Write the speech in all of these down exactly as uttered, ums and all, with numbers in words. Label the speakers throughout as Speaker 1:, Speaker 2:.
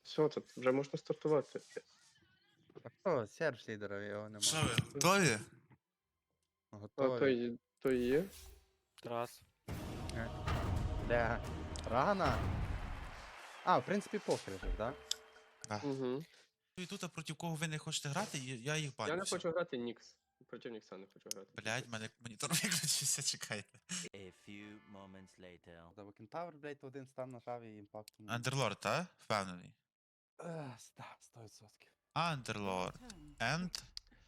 Speaker 1: Все, це вже можна стартувати.
Speaker 2: А хто? Серж лідера, його нема.
Speaker 3: Що ви, готові?
Speaker 1: А
Speaker 2: Готові.
Speaker 1: то, й- то і є.
Speaker 4: Раз.
Speaker 2: Бля. Рано? А, в принципі, похер же, да?
Speaker 1: Угу.
Speaker 3: І тут, а проти кого ви не хочете грати, і я їх баню.
Speaker 1: Я не
Speaker 3: все.
Speaker 1: хочу грати Нікс. Проти Нікса не хочу грати.
Speaker 3: Блядь, в мене монітор виключився, чекайте.
Speaker 5: A few moments later.
Speaker 2: Та Кентавр, блядь, один стан нажав і імпактом.
Speaker 3: Андерлорд, та? Впевнений.
Speaker 2: Ех, ста- сто відсотків.
Speaker 3: Андерлорд. Енд.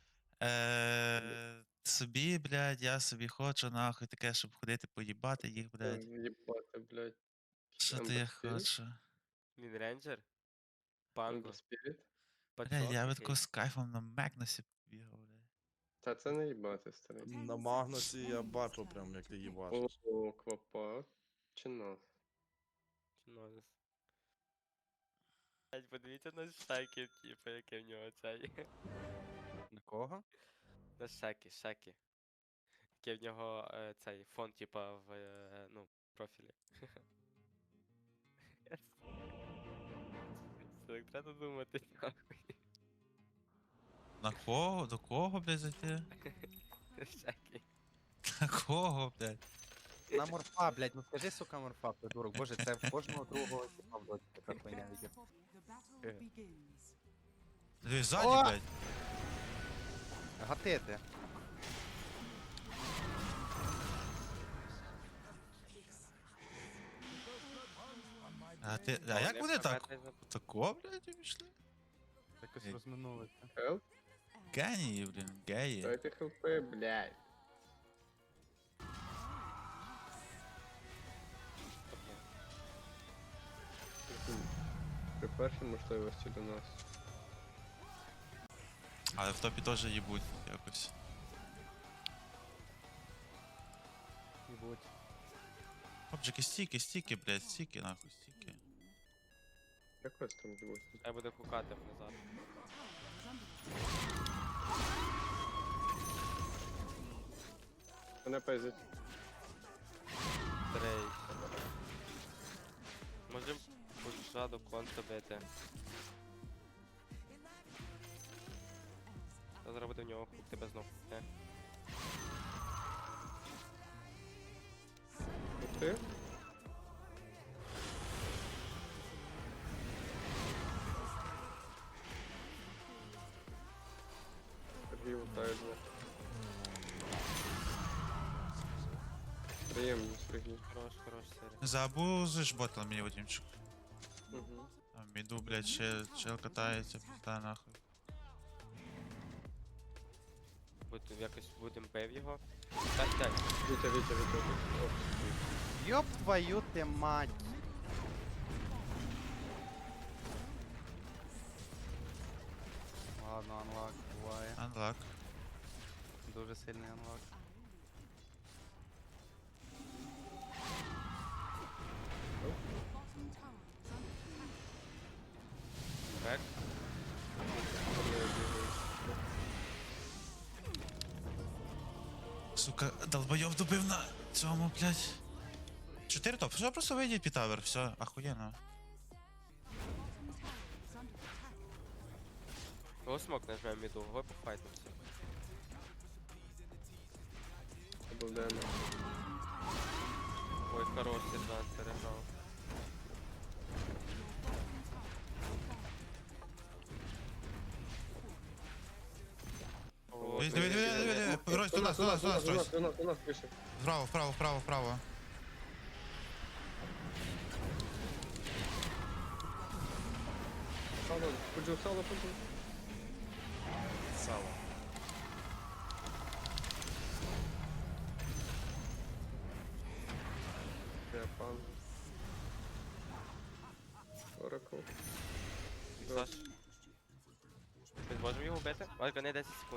Speaker 3: Е, собі, блядь, я собі хочу, нахуй, таке, щоб ходити поїбати їх, блядь.
Speaker 1: Їбати, блядь.
Speaker 3: Що
Speaker 1: Ember
Speaker 3: ти я
Speaker 1: Spirit?
Speaker 3: хочу?
Speaker 4: Він рейнджер. Панго.
Speaker 1: Ember Spirit?
Speaker 3: Блядь, я би
Speaker 4: Пацок
Speaker 3: тако з кайфом на Мекносі побігав, блядь.
Speaker 1: Та це не їбати, старий.
Speaker 6: На Магнусі я бачу прям, як ти їбаш.
Speaker 1: О, квапа. Чи нас?
Speaker 4: Нонс. Блять, подивіться на шаки, типу, яке в нього цей.
Speaker 2: На кого?
Speaker 4: На шаки, шаки. Яке в нього е, цей фон, типа, в е, ну, профілі. Це так треба думати, нахуй.
Speaker 3: На кого? До кого, блядь, зайти?
Speaker 4: Шаки.
Speaker 3: На кого, блядь?
Speaker 2: На морфа, блядь, ну скажи, сука, морфа, придурок. Боже, це в кожного другого типа в доті така хуйня йде.
Speaker 3: Дивись, ззаді,
Speaker 2: О!
Speaker 3: блядь.
Speaker 2: Гатити.
Speaker 3: А ти, а як вони так? Тако, блядь, обійшли?
Speaker 2: Якось
Speaker 3: Ей.
Speaker 2: розминулися.
Speaker 1: Хелп?
Speaker 3: Генії, блін, геї.
Speaker 1: Дайте хелпи, блядь. При першій можливості до нас.
Speaker 3: Але в топі теж їбуть якось.
Speaker 2: Їбуть.
Speaker 3: Хлопчики, стіки, стіки, блядь, стіки, нахуй, стіки.
Speaker 1: Якось там живуть.
Speaker 4: Я буду хукати назад.
Speaker 1: Мене пизить.
Speaker 4: Трей. Можем пульша контра бити. Я зараз буде в нього хук, тебе знов хукне.
Speaker 1: Ти? Сергій лутає двох. Приємно, Сергій.
Speaker 4: Хорош, хорош, серія.
Speaker 3: Забузиш ботом мені, Вадимчик.
Speaker 1: Угу.
Speaker 3: Там іду, блядь, чел, чел катається, пізда нахуй.
Speaker 4: Будем якось будем бив його. Так, так.
Speaker 1: Вітя, Вітя, Вітя, Вітя. О,
Speaker 2: Йоп твою ти мать. Ладно, анлак буває.
Speaker 3: Unlock.
Speaker 2: Дуже сильний анлак.
Speaker 4: Бек.
Speaker 3: Сука, долбойов добив на цьому, блядь. Чотири топ, все, просто вийдіть під тавер, все, ахуєнно.
Speaker 4: Го смок нажмем міду, го пофайтимся.
Speaker 1: Добавляємо.
Speaker 4: Ой, хорош, сержант переграв. О,
Speaker 3: Диви, диви, диви, диви, диви, Рось, до нас, до нас, до нас,
Speaker 1: до нас,
Speaker 3: Рось.
Speaker 1: до нас, до нас, вийшов.
Speaker 3: Вправо, вправо, вправо, вправо.
Speaker 1: Сало, ходжу, сало, ходжу.
Speaker 6: Сало.
Speaker 1: Я пан. Оракл.
Speaker 4: Саш. Ми зможемо його вбити? Ольга, не десять секунд.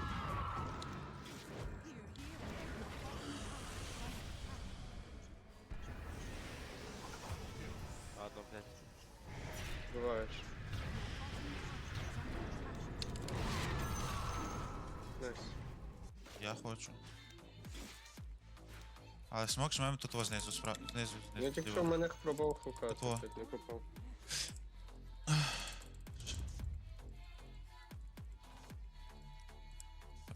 Speaker 4: Ладно, блядь.
Speaker 1: Буваєш. Найс.
Speaker 3: Я хочу. Але смок жмемо тут знизу, справа, знизу,
Speaker 1: Я
Speaker 3: знизу.
Speaker 1: тільки що
Speaker 3: зліва.
Speaker 1: мене пробував хукати,
Speaker 3: Ото.
Speaker 1: блядь, не попав.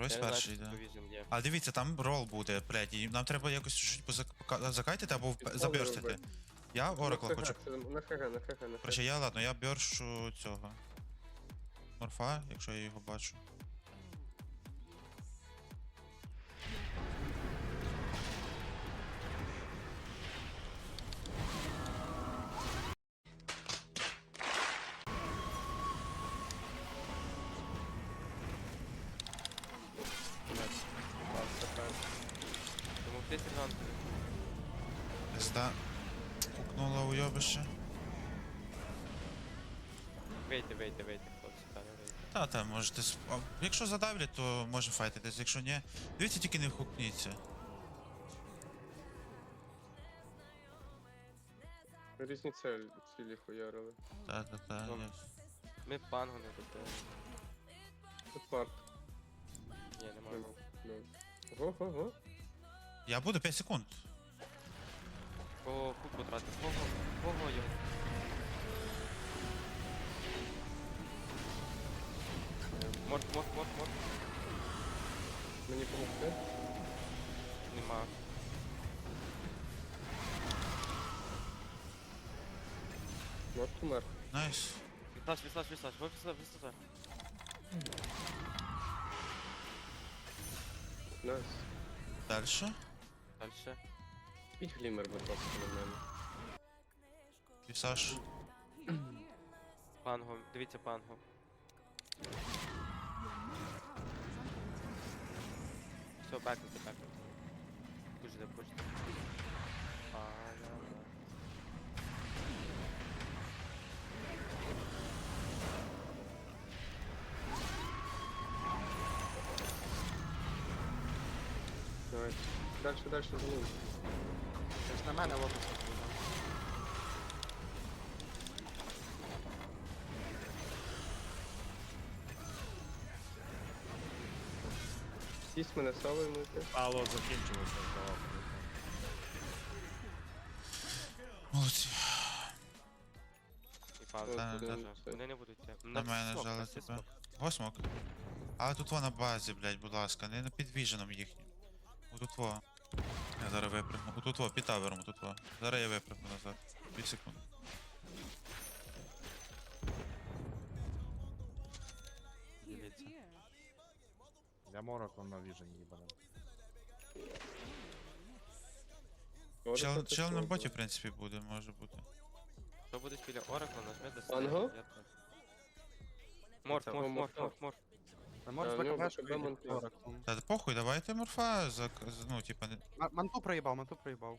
Speaker 3: Ройс
Speaker 4: Я не знаю,
Speaker 3: перший
Speaker 4: чи
Speaker 3: йде.
Speaker 4: тут віжен є.
Speaker 3: А дивіться, там рол буде, блядь, і нам треба якось чуть позак- закайтити або вп- заберстити. Я Оракла
Speaker 1: на
Speaker 3: хочу.
Speaker 1: ХГ, це на ХГ, на ХГ, на
Speaker 3: Короче,
Speaker 1: ХГ.
Speaker 3: я ладно, я бьоршу цього. Морфа, якщо я його бачу.
Speaker 4: Тому ти сержант.
Speaker 3: Пизда. Пукнула уйобище.
Speaker 4: Вийти, вийти, вийти, хлопці, та не вийти.
Speaker 3: Та, та, можете. сп- а, Якщо задавлять, то може файтитись, якщо ні. Дивіться, тільки не хукніться.
Speaker 1: Різні цілі, цілі хуярили.
Speaker 3: Та, та, та.
Speaker 4: Добре.
Speaker 3: я-
Speaker 4: Ми пангу не добили.
Speaker 1: Тут варт.
Speaker 4: Ні, не можемо.
Speaker 1: Ну. Го-го-го.
Speaker 3: Я буду п'ять секунд.
Speaker 4: О, хук потратив. Ого, ого, йо. Морт, морт, морт, морт.
Speaker 1: Мені помогти?
Speaker 4: Нема.
Speaker 1: Морт умер.
Speaker 3: Найс.
Speaker 4: Віслаж, віслаж, віслаж, ви віслаж, віслаж.
Speaker 1: Найс.
Speaker 3: Дальше.
Speaker 4: Дальше.
Speaker 1: Піть глімер, будь ласка, на мене.
Speaker 3: Вісаж.
Speaker 4: Пангу, дивіться пангу. Все, бекнути, бекнути. Пуште, пуште. А, да, да.
Speaker 1: Найс. Дальше, дальше за ним.
Speaker 2: Це ж на мене лотоса буде.
Speaker 1: Сість мене савою мити.
Speaker 6: Алло, закінчилося, здавав.
Speaker 3: Молодці.
Speaker 4: І пангу.
Speaker 3: Та,
Speaker 4: Дуже.
Speaker 1: та.
Speaker 4: Вони не будуть йти.
Speaker 3: На мене
Speaker 4: смок,
Speaker 3: жали
Speaker 4: на всі
Speaker 3: тебе.
Speaker 4: смок.
Speaker 3: Восьмок. Але тут во на базі, блядь, будь ласка, не на підвіженом їхнім. Отут во. Я зараз випрыгну. Отут во, під тавером, отут во. Зараз я випрыгну назад. Дві секунди.
Speaker 2: Дивіться.
Speaker 6: Я мороком на віжен їбанем.
Speaker 3: Чел, чел на боті, в принципі, буде, може бути.
Speaker 4: Що буде біля Оракла, нажми до
Speaker 1: Панго?
Speaker 4: Я так. Морф,
Speaker 1: Це
Speaker 4: морф,
Speaker 1: морф,
Speaker 4: морф,
Speaker 1: морф.
Speaker 4: морф, морф.
Speaker 2: Ви можете
Speaker 1: Та, ну,
Speaker 2: закабешку
Speaker 1: БКБ монтаж.
Speaker 3: Та похуй, давайте морфа за, з- ну, типа, не...
Speaker 2: Манту проїбав, манту проїбав.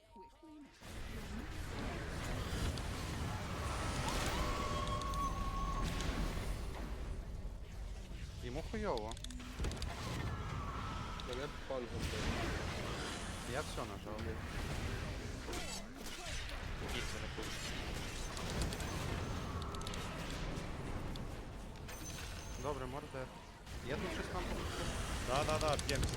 Speaker 2: Йому хуйово.
Speaker 1: Мене пангу.
Speaker 2: Я все нажав.
Speaker 4: Дійсно, не пуш.
Speaker 2: Добре, морде. Є тут щось там?
Speaker 6: Да-да-да, п'ємся.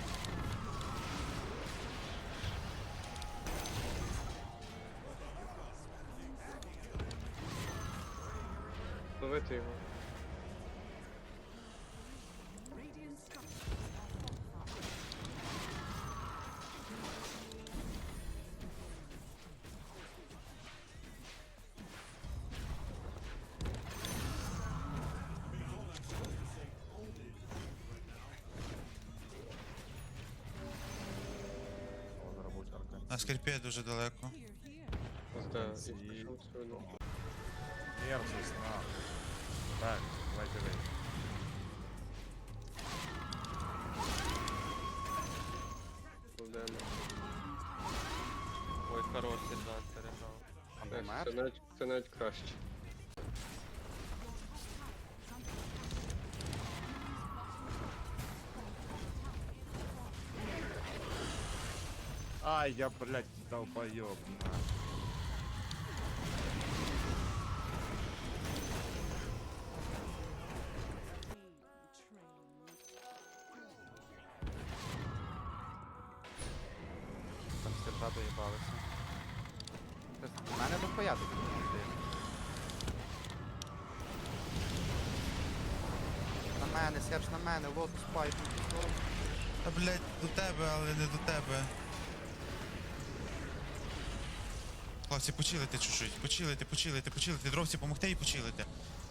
Speaker 1: Ловити його.
Speaker 6: О, зараз будуть арка.
Speaker 3: На скрипі дуже далеко.
Speaker 1: Да,
Speaker 6: Ці-
Speaker 1: і пішов сюди.
Speaker 6: Мерзость, на. Так, давайте вийти.
Speaker 1: Кладемо.
Speaker 4: Ой, хорош сержант переграв.
Speaker 2: Там
Speaker 1: Так,
Speaker 2: помер?
Speaker 1: Це навіть, це навіть краще.
Speaker 6: Ай, я, блядь, долбоёб, на.
Speaker 2: Там сержа доїбалися. У мене дохуя тут буде. На мене, Серж, на мене, лотус пайп.
Speaker 3: Та, блядь, до тебе, але не до тебе. Хлопці, почилите чуть-чуть, почилите, почилите, почилите, дровці помогти і почилите.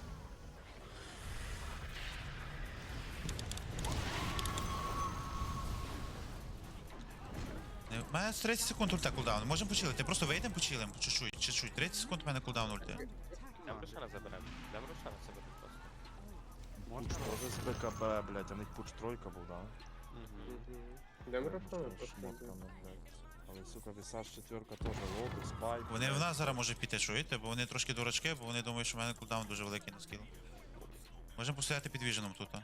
Speaker 3: Е, У мене тридцять секунд ульта кулдаун. Можемо почилити, просто вийдемо почилимо, по чуть-чуть, чуть-чуть. тридцять секунд у мене кулдаун ульти.
Speaker 4: Дам Рошана заберемо. Дам Рошана заберемо просто.
Speaker 6: Пуч теж з БКБ, блядь, а них пуч тройка був, да?
Speaker 4: Угу.
Speaker 1: Йдемо
Speaker 6: Прям
Speaker 1: Рафона
Speaker 6: що
Speaker 1: просто.
Speaker 6: шмотками, блядь. Але, сука, Вісаж четверка теж лоду, спайк.
Speaker 3: Вони в
Speaker 6: блядь.
Speaker 3: нас зараз можуть піти, чуєте? Бо вони трошки дурачки, бо вони думають, що в мене кулдаун дуже великий на скіл. Можемо постояти під віженом тут. а.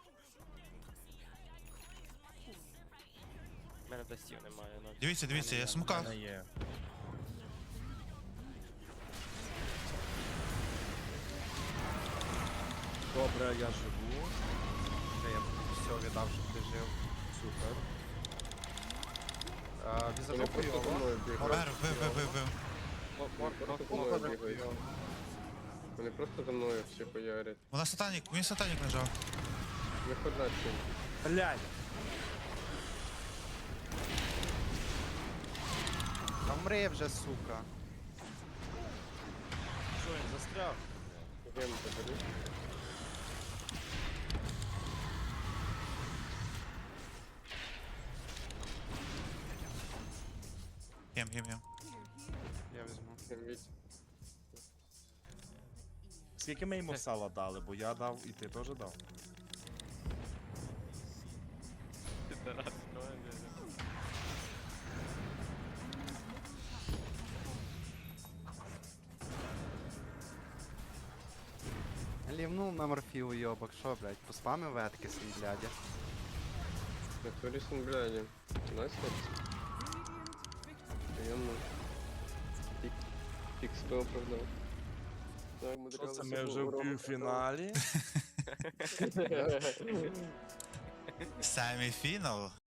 Speaker 4: У мене дастів немає, ну.
Speaker 3: Дивіться, дивіться, я в
Speaker 6: У
Speaker 3: смоках.
Speaker 6: мене є. Добре, я живу.
Speaker 2: Вже я все віддав, щоб ти жив.
Speaker 6: Супер.
Speaker 2: А,
Speaker 1: Вони
Speaker 2: Візажовку
Speaker 1: просто за
Speaker 2: його.
Speaker 1: мною бігають.
Speaker 3: Вер, вив, вив, вив, вив.
Speaker 1: Просто за мною бігають. Вони просто за мною всі хуярять.
Speaker 3: Вона сатанік, він сатанік лежав.
Speaker 1: Виходь на цим.
Speaker 6: Блядь!
Speaker 2: Та вмри вже, сука.
Speaker 6: Що, він застряг?
Speaker 1: Гем забери.
Speaker 3: Гем, гем, гем.
Speaker 2: Я візьму.
Speaker 1: Гем від.
Speaker 6: Скільки ми йому сала дали, бо я дав і ти теж дав.
Speaker 4: Підарас, ну,
Speaker 2: Лівнув на морфію, йобак, що, блядь, поспамив ветки свій, блядь.
Speaker 1: На турісен, бляді. Найс хлопці. Приємно. Пік. Пік сто оправдав. Так, ми
Speaker 6: Що це
Speaker 1: одразу
Speaker 6: ми вже в
Speaker 1: урок
Speaker 6: півфіналі?
Speaker 1: оправдали.
Speaker 3: Семіфінал.